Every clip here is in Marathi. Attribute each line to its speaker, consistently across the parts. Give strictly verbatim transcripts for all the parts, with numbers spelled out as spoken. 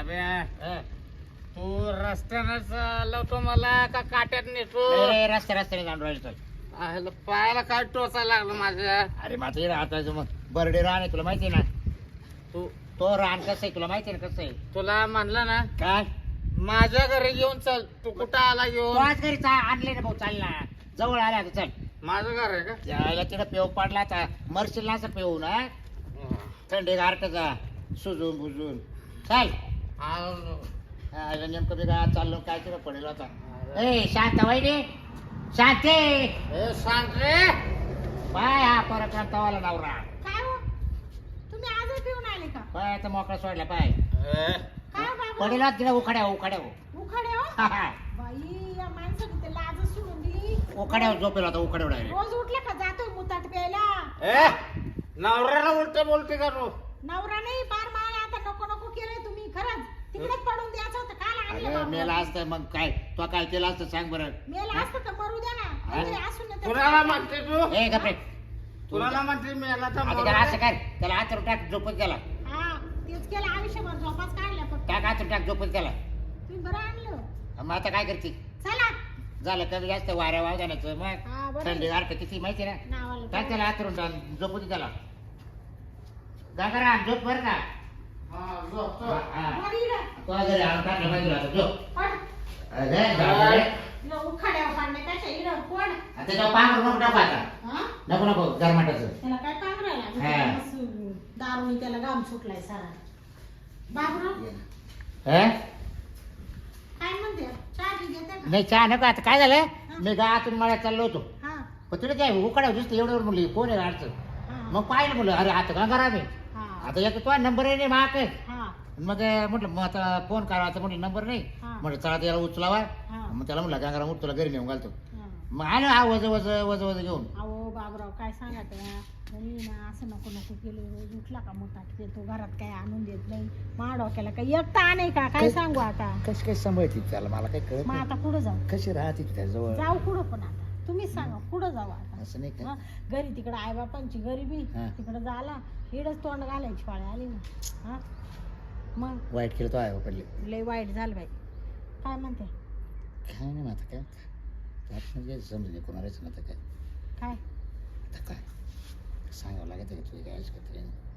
Speaker 1: बाब्या
Speaker 2: हं.
Speaker 1: तू रस्त्यानंच लावतो मला का काट्यात नेतो
Speaker 2: नाही रे, रस्ते रस्त्याने जाऊन राहिलो चल.
Speaker 1: आयला पायाला काय टोचा लागला माझ्या
Speaker 2: अरे माझं हे राहतायचं मग बर्डे रान आहे तुला माहिती आहे ना.
Speaker 1: तू
Speaker 2: तो रान कसं आहे तुला माहिती आहे ना कसं आहे.
Speaker 1: तुला म्हणलं ना
Speaker 2: काय
Speaker 1: माझ्या घरी घेऊन चल तू कुठं आला
Speaker 2: तो
Speaker 1: घेऊन
Speaker 2: आज घरी चा- आणले ना भाऊ चाल ना जवळ आला आता चल.
Speaker 1: माझं घर आहे का
Speaker 2: यायला तिकडे पेव पडला आता मरशील ना असं पेऊ ना थंडी गारटचा सुजून बुजून चाल.
Speaker 1: आलो.
Speaker 2: आयला नेमकं मी गावात चाललो काय तिकडे पडेल आता. ए शांत वहिनी शांती
Speaker 1: ए सांग रे
Speaker 2: पाय हा परत तवाला नवरा
Speaker 3: काय हो तुम्ही आजच पिऊन आले का
Speaker 2: पाय आता मोकळा सोडला पाय
Speaker 1: ए,
Speaker 3: काय बाबा
Speaker 2: पडेल तिकडे उखाड्या उखाड्या
Speaker 3: उखाडे हो
Speaker 2: हा, हा.
Speaker 3: बाई या माणसाने ते लाज सोडून दिली
Speaker 2: उखाड्यावर झोपेल होता उखाड्या डायरेक्ट.
Speaker 3: रोज उठला का जातोय मुताट प्यायला
Speaker 1: ए नवऱ्याला उलट बोलते का तू
Speaker 3: नवरा नाही पार मला आता नको नको केलंय तुम्ही खरंच तिकडेच पडून द्यायचं होतं काल आणलं
Speaker 2: अगं मेला
Speaker 3: बाबा.
Speaker 2: असतं मग काय तो काय केला असतं सांग बरं.
Speaker 3: मेला असतं तर मरू द्या ना काहीतरी असून ना त्याचं.
Speaker 1: कुणाला म्हणते तू
Speaker 2: ए गप्रे
Speaker 1: कुणाला म्हणते मी याला तर
Speaker 2: आता त्याला असं काय त्याला हात टाक झोपत गेला
Speaker 3: हा तेच केलं आयुष्यभर झोपाच काढल्या फक्त
Speaker 2: टाक हात टाक झोपत गेला.
Speaker 3: तुम्ही बरं आणलं
Speaker 2: मग आता काय करते
Speaker 3: चला
Speaker 2: झालं कमी जास्त वाऱ्या वावदानाचं मग
Speaker 3: हा बरं
Speaker 2: थंडी गारट किती माहिती ना.
Speaker 3: नावाला
Speaker 2: काय त्याला हातरून टाक झोपू दे त्याला. गंगाराम झोप बरं का.
Speaker 1: हा, झोपतो.
Speaker 2: हा.
Speaker 3: वर इकडं.
Speaker 2: तो घरी आणून टाकलं पाहिजे आता झोप.
Speaker 3: पड.
Speaker 2: अरे, झालं रे.
Speaker 3: इकडं उखाड्यावर पाडण्यापेक्षा इकडं पड.
Speaker 2: आता त्याच्यावर पांघरून नको टाकू आता.
Speaker 3: हा?
Speaker 2: नको नको गरमाटाचं.
Speaker 3: त्याला काय पांघरायला
Speaker 2: हा.
Speaker 3: त्याला मस्त दारूनी त्याला घाम सुटलाय सारा बाबराव
Speaker 2: हे?
Speaker 3: काय म्हणते चहा बी घेते का
Speaker 2: नाही चहा नको आता काय झालं मी गावातून मळ्यात चाललो होतो
Speaker 3: हा
Speaker 2: पण तुला काय उकाडा दिसतं एवढ्यावर म्हणली कोण आहे अडचण.
Speaker 3: हा
Speaker 2: मग पाहिलं म्हणलं अरे आता गंगाराम आहे.
Speaker 3: हा
Speaker 2: आता एक तो नंबर आहे नाही महाग
Speaker 3: हा
Speaker 2: मग म्हटलं मग आता फोन करावा आता म्हटलं नंबर नाही
Speaker 3: हा.
Speaker 2: म्हटलं चला त्याला उचलावा
Speaker 3: हा.
Speaker 2: मग त्याला म्हटलं गंगाराम उठ तुला घरी नेऊन घालतो.
Speaker 3: हा.
Speaker 2: मग आलो हा वज वज वज वज घेऊन.
Speaker 3: अहो बाबराव काय सांगा त्या मी ना असं नको नको केलं रोज उठला का मोठाट येतो घरात काय आणून देत नाही मा डोक्याला काही एकटा आणे का काय सांगू आता
Speaker 2: कशी कशी सांभाळते त्याला मला काही कळत
Speaker 3: मग आता पुढं जाऊ
Speaker 2: कशी राहते त्याजवळ
Speaker 3: जाऊ कुठं पण आता तुम्हीच सांगा पुढं जाऊ आता
Speaker 2: असं नाही
Speaker 3: हा,
Speaker 2: का.
Speaker 3: घरी तिकडं आईबापांची गरिबी
Speaker 2: हा.
Speaker 3: तिकडं झाला इडच तोंड घालायची पाळी आली ना हा मग
Speaker 2: वाईट केलं तो आहे पडले
Speaker 3: लय वाईट झालं बाई काय म्हणते
Speaker 2: काय नाही मग आता काय त्यात म्हणजे समजून कोणालाच ना आता काय
Speaker 3: काय
Speaker 2: आता काय सांगावं लागत का तुझी काय करते.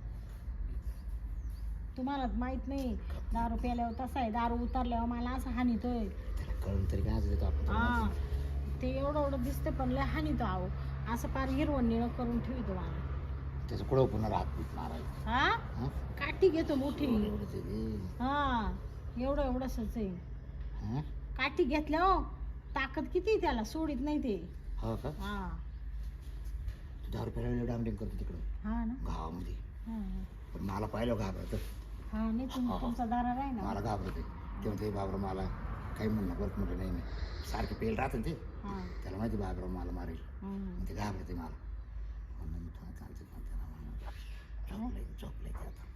Speaker 3: तुम्हाला माहित नाही दारू प्यायल्यावर तसा आहे दारू उतरल्यावर मला असं हानितोय
Speaker 2: त्याला कळून तरी काय देतो
Speaker 3: हा
Speaker 2: आपण.
Speaker 3: ते एवढं एवढं दिसतं पण लय हानितो आहो असं पार हिरवण निळं करून ठेवतो मला
Speaker 2: त्याचं कुठं पुन्हा राहत पीत मारायला.
Speaker 3: हा
Speaker 2: हं?
Speaker 3: काठी घेतो मोठी
Speaker 2: एवढं ते दे.
Speaker 3: हा एवढं एवढंसच आहे
Speaker 2: हं?
Speaker 3: काठी घेतल्या हो ताकद किती आहे त्याला सोडित नाही ते
Speaker 2: हो का
Speaker 3: हा
Speaker 2: तू दहा रुपयाला डामडिंग करतो तिकडं
Speaker 3: हा ना
Speaker 2: गावामध्ये
Speaker 3: हा
Speaker 2: पण मला पाहिलं घाबरतं.
Speaker 3: हा नाही तुम- तुमचा दारा आहे ना
Speaker 2: मला घाबरते तेव्हा ते बाबरा मला काही म्हणणं बरं म्हटलं नाही नाही सारखे पेल राहतं ना ते
Speaker 3: हा
Speaker 2: त्याला माहिती बाबरा मला मारेल
Speaker 3: हम्म.
Speaker 2: मग ते घाबरते मला म्हणून मी थोडं चालते पण त्याला म्हणलं झोपले झोपले ते आता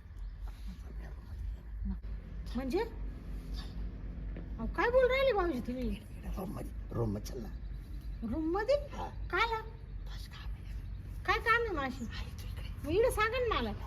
Speaker 3: म्हणजे अहो, काय बोल राहिले भाऊजी तुम्ही
Speaker 2: रूम मध्ये रूम मध्ये चल ना.
Speaker 3: रूम मध्ये
Speaker 2: हा.
Speaker 3: काला
Speaker 2: बस काम आहे.
Speaker 3: काय काम आहे माशी
Speaker 2: आहे तू इकडे.
Speaker 3: मग इकडे सांगा ना मला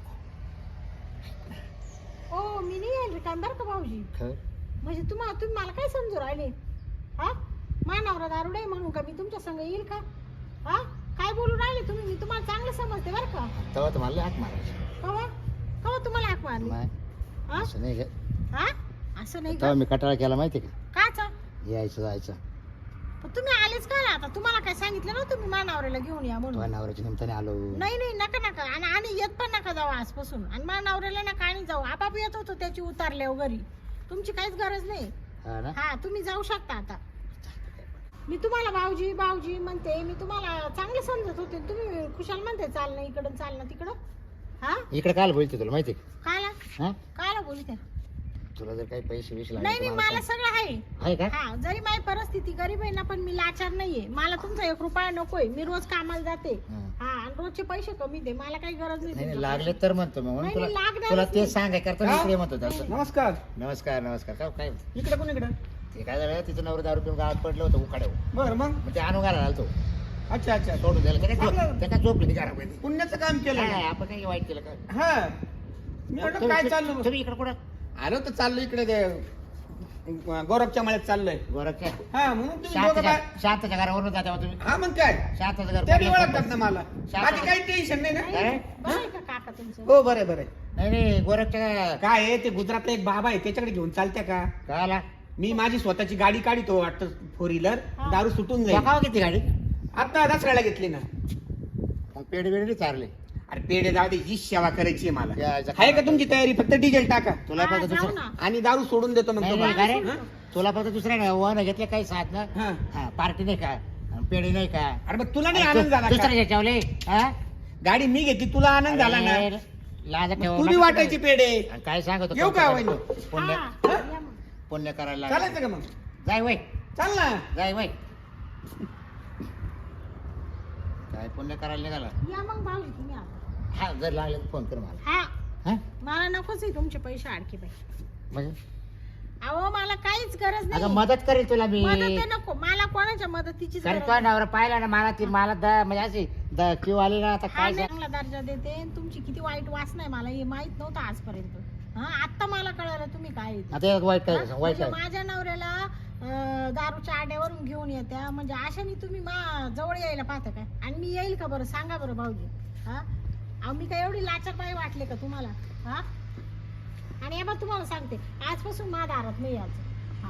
Speaker 3: ओ मी नाही येईल काम बरं का भाऊजी
Speaker 2: खरं
Speaker 3: म्हणजे तुम्हाला तुम्ही मला काय समजू राहिले हा मानावरा दारुडे आहे म्हणून का मी तुमच्या संग येईल का हा काय बोलू राहिले तुम्ही मी तुम्हाला चांगलं समजते बरं का
Speaker 2: तेव्हा तर मला हात मारायची
Speaker 3: कवा कवा तुम्हाला हाक मारली
Speaker 2: नाही
Speaker 3: हा
Speaker 2: असं नाही का
Speaker 3: हा असं नाही का
Speaker 2: तेव्हा मी कटाळा केला माहिती का
Speaker 3: काचा
Speaker 2: यायचं जायचं
Speaker 3: पण तुम्ही आलेच का आता तुम्हाला काय सांगितलं ना तुम्ही मानावऱ्याला घेऊन या म्हणून
Speaker 2: तुझ्या नवऱ्याच्या निमित्ताने आलो.
Speaker 3: नाही नाही नका नका आणि आणि येत पण नका जाऊ आजपासून आणि मानावऱ्याला नका आणि जाऊ आपाप येत होतो त्याची उतारल्यावर घरी तुमची काहीच गरज नाही
Speaker 2: हा ना
Speaker 3: हा तुम्ही जाऊ शकता आता मी तुम्हाला भाऊजी भाऊजी म्हणते मी तुम्हाला चांगलं समजत होते तुम्ही खुशाल म्हणते चालणं इकडं चालणं तिकडं हा
Speaker 2: इकडे काल बोलते तुला माहिती का.
Speaker 3: काला
Speaker 2: हा
Speaker 3: काला बोलते
Speaker 2: तुला जर काही पैसे विषय
Speaker 3: नाही नाही मला सगळं आहे
Speaker 2: आहे का
Speaker 3: हा जरी माझी परिस्थिती गरीब आहे ना पण मी लाचार नाहीये मला तुमचा एक रुपया नकोय मी रोज कामाला जाते
Speaker 2: हा.
Speaker 3: हा आणि रोजचे पैसे कमी दे मला काही गरज नाही
Speaker 2: नाही नाही,
Speaker 3: तुमच्या
Speaker 2: लागले तर म्हणतो मग म्हणून
Speaker 3: नाही,
Speaker 2: तुला
Speaker 3: नाही, लागणारच
Speaker 2: तुला
Speaker 3: नाही.
Speaker 2: तेच सांगाय करतो मी इकडे म्हणतो तसं.
Speaker 4: नमस्कार
Speaker 2: नमस्कार नमस्कार काय काय
Speaker 4: इकडे कोण इकडे
Speaker 2: ते काय झालं तिचं नवरा दारू पिऊन गावात पडलं होतं उखाड्यावर
Speaker 4: बर मग
Speaker 2: मग ते आणून घालायला आलतो
Speaker 4: अच्छा अच्छा
Speaker 2: सोडून द्यायला त्या काय
Speaker 4: चांगलं.
Speaker 2: झोप- त्या काय झोपली ती घरामध्ये.
Speaker 4: पुण्याचं काम केलं
Speaker 2: काय, आपण काही वाईट केलं का
Speaker 4: हा मी म्हटलं काय चाललं
Speaker 2: तुम्ही इकडे कुठं
Speaker 4: आलो तर चाललो इकडे ते गौरवच्या मळ्यात चाललोय
Speaker 2: गोरखच्या
Speaker 4: हा म्हणून तुम्ही दोघं
Speaker 2: शांतच्या
Speaker 4: बा-
Speaker 2: शांतच्या घरावरून जाते तुम्ही
Speaker 4: हा मग काय
Speaker 2: शांतचं घर
Speaker 4: त्याने
Speaker 2: कुठलं
Speaker 4: ओळखतात ना मला
Speaker 2: शांत-
Speaker 4: बाकी काही टेन्शन नाही ना
Speaker 2: काय?
Speaker 3: बरं आहे का काका तुमचं
Speaker 4: हो बरं बरं
Speaker 2: नाही नाही गोरखच्या
Speaker 4: काय आहे ते गुजरातला एक बाबा आहे त्याच्याकडे घेऊन चालत्या का
Speaker 2: काय आला
Speaker 4: मी माझी स्वतःची गाडी काढितो वाटतं फोर व्हीलर
Speaker 3: हा.
Speaker 4: दारू सुटून जाईल
Speaker 2: बघावं किती गाडी
Speaker 4: आता दसऱ्याला घेतली ना
Speaker 2: मग पेढे बिडे चारले
Speaker 4: अरे पेढे जाऊ दे ही सेवा करायची आहे मला
Speaker 2: यायचं
Speaker 4: आहे का तुमची तयारी फक्त डिझेल टाका
Speaker 2: तुला
Speaker 3: हा,
Speaker 2: फक्त
Speaker 3: जाऊ
Speaker 2: दुसरं
Speaker 3: ना.
Speaker 4: आणि दारू सोडून देतो मग
Speaker 2: नाही,
Speaker 4: तुम्हाला.
Speaker 2: नाही, का रे?
Speaker 4: हा?
Speaker 2: तुला फक्त दुसऱ्या वन घेतले काही साथ ना
Speaker 4: हा.
Speaker 2: हा पार्टी नाही का आणि पेढे नाही का
Speaker 4: अरे मग तुला नाही आनंद झाला
Speaker 2: दुसऱ्या
Speaker 4: का?
Speaker 2: ज्याच्यावले हा
Speaker 4: गाडी मी घेतली तुला आनंद झाला ना
Speaker 2: अरे, लाज
Speaker 4: मग
Speaker 2: ठेव
Speaker 4: तू बी
Speaker 2: नका
Speaker 4: वाटायची
Speaker 2: करू.
Speaker 4: पेढे
Speaker 2: आणि काय सांगतो
Speaker 4: येऊ का वहिनी?
Speaker 2: पुण्य
Speaker 3: हा, या मग.
Speaker 2: पुण्य करायला लागलं.
Speaker 4: चालायचं का मग
Speaker 2: जाय वय
Speaker 4: चाल ना
Speaker 2: जाय वय काय पुण्य करायला निघाला
Speaker 3: या मग भाऊजी तुम्ही आता.
Speaker 2: हा जर लागले तर फोन कर मला
Speaker 3: हा
Speaker 2: हा
Speaker 3: मला नकोच आहे तुमचे पैसे आणखी बाई
Speaker 2: म्हणजे
Speaker 3: अहो मला काहीच गरज
Speaker 2: अगं
Speaker 3: नाही
Speaker 2: मदत करेल तुला मी
Speaker 3: मदत आहे नको मला कोणाच्या मदतीची
Speaker 2: कारण तो नवरा पाहिला ना मला ती मला द म्हणजे अशी द क्यू आली ना आता
Speaker 3: हा
Speaker 2: काय
Speaker 3: नाही,
Speaker 2: सांग-
Speaker 3: चांगला दर्जा देते आणि तुमची किती वाईट वासना आहे मला हे माहित नव्हतं आजपर्यंत हा आता मला कळलं तुम्ही काय आहे ते.
Speaker 2: आता एक वाईट काय
Speaker 3: हा?
Speaker 2: वाईट
Speaker 3: म्हणजे
Speaker 2: काय
Speaker 3: माझ्या नवऱ्याला अं, दारूच्या आड्यावरून घेऊन येत्या म्हणजे अशाने तुम्ही मा जवळ यायला पाहता काय आणि मी येईल का बरं सांगा बरं भाऊजी हा अहो मी काय एवढी लाचारबाई वाटले का तुम्हाला हा आणि हे बघ तुम्हाला सांगते आजपासून मा दारात नाही यायचं हा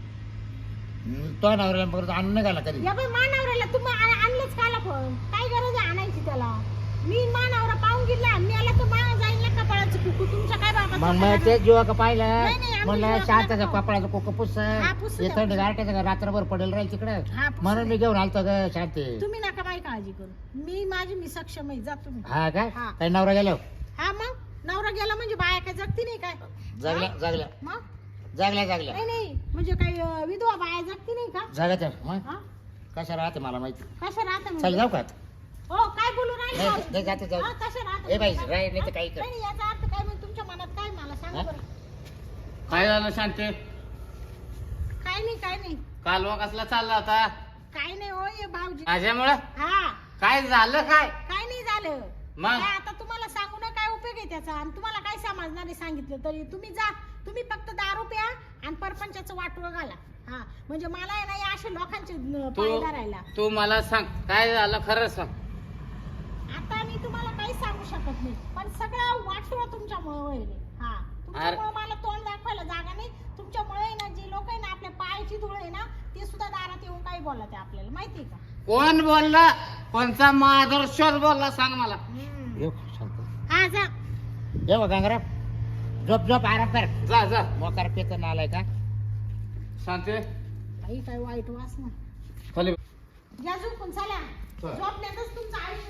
Speaker 2: हम्म, तो नवऱ्याला परत आणून नाही घाला कधी
Speaker 3: या बाई मा नवऱ्याला तुम्ही आ- आणलंच काला पण काय गरज आहे आणायची त्याला मी मा नवरा पाहून गेला मी आला तर मा जाईल ना कपाळाचं कुकू तुमच्या काय बाबा
Speaker 2: मग मग ते जीवा का पाहिलं
Speaker 3: नाही, नाही, आम्ही
Speaker 2: म्हणलं
Speaker 3: जीवा
Speaker 2: शांताचं
Speaker 3: करतो.
Speaker 2: कपडाचं कोक पुस
Speaker 3: हा, पुसू द्या.
Speaker 2: थंड गारट्याचं रात्रभर पडेल राहील तिकडं
Speaker 3: हा, पुसू
Speaker 2: म्हणून मी
Speaker 3: द्या.
Speaker 2: घेऊन आलतो ग शांती
Speaker 3: तुम्ही नका बाई काळजी करू मी माझी मी सक्षम आहे जा तुम्ही
Speaker 2: हा काय
Speaker 3: हा.
Speaker 2: काही नवरा गेलो
Speaker 3: हा मग नवरा गेला म्हणजे बाया काय जगती नाही काय
Speaker 2: जागल्या
Speaker 3: हा?
Speaker 2: जागल्या
Speaker 3: मग
Speaker 2: जागल्या जागल्या
Speaker 3: नाही नाही म्हणजे काही अं, विधवा बाया जगती नाही का
Speaker 2: जागाच्या मग
Speaker 3: हा?
Speaker 2: कशा राहते मला माहिती
Speaker 3: कशा राहता
Speaker 2: चल
Speaker 3: म्हणजे?
Speaker 2: जाऊ का
Speaker 3: हो काय बोलू राहिले
Speaker 2: नाही,
Speaker 3: भाऊजी?
Speaker 2: नाही, जाते, जाऊ.
Speaker 3: हा, कशा राहता
Speaker 2: ए बाई,
Speaker 3: म्हणजे?
Speaker 2: राही, नाही तर काही कर.
Speaker 3: नाही, नाही, याचा अर्थ काय म्हणजे तुमच्या मनात काय मला सांगा
Speaker 2: हा?
Speaker 3: बरं
Speaker 1: काय झालं शांती
Speaker 3: काय नाही काय नाही
Speaker 1: कालवा कसला चालला होता
Speaker 3: काय नाही हो ये भाऊजी
Speaker 1: माझ्यामुळं
Speaker 3: हा
Speaker 1: काय झालं काय
Speaker 3: काय नाही झालं
Speaker 1: मग?
Speaker 3: काय आता तुम्हाला सांगू ना काय उपयोग आहे त्याचा आणि तुम्हाला काय समजणार नाही सांगितलं तरी तुम्ही जा तुम्ही फक्त दारू प्या आणि परपंचाचं वाटोळं घाला हा म्हणजे मला आहे ना या अशा लोकांचे न-
Speaker 1: तू
Speaker 3: पाय धरायला
Speaker 1: तू मला सांग काय झालं खरं सांग
Speaker 3: आता मी तुम्हाला काही सांगू शकत नाही पण सगळं वाटोळं तुमच्यामुळे होईल हा तुमच्यामुळे मला तोंड दाखवायला जागा नाही तुमच्यामुळे आहे ना जे लोक आहे ना आपल्या पायाची धूळ आहे ना ते सुद्धा दारात येऊन काही बोलत आहे आपल्याला माहिती आहे का
Speaker 1: कोण बोलला कोणता माधुरश्वर बोलला सांग मला
Speaker 3: हम्म.
Speaker 2: येऊ शांत
Speaker 3: हा जा
Speaker 2: येऊ गंगराम झोप झोप आराम कर
Speaker 1: जा जा
Speaker 2: मोकार पेत आलाय का
Speaker 1: शांती
Speaker 3: काही काय वाईट वास ना
Speaker 1: खाली
Speaker 3: या झोपून चला झोपण्यातच तुमचं आयुष्य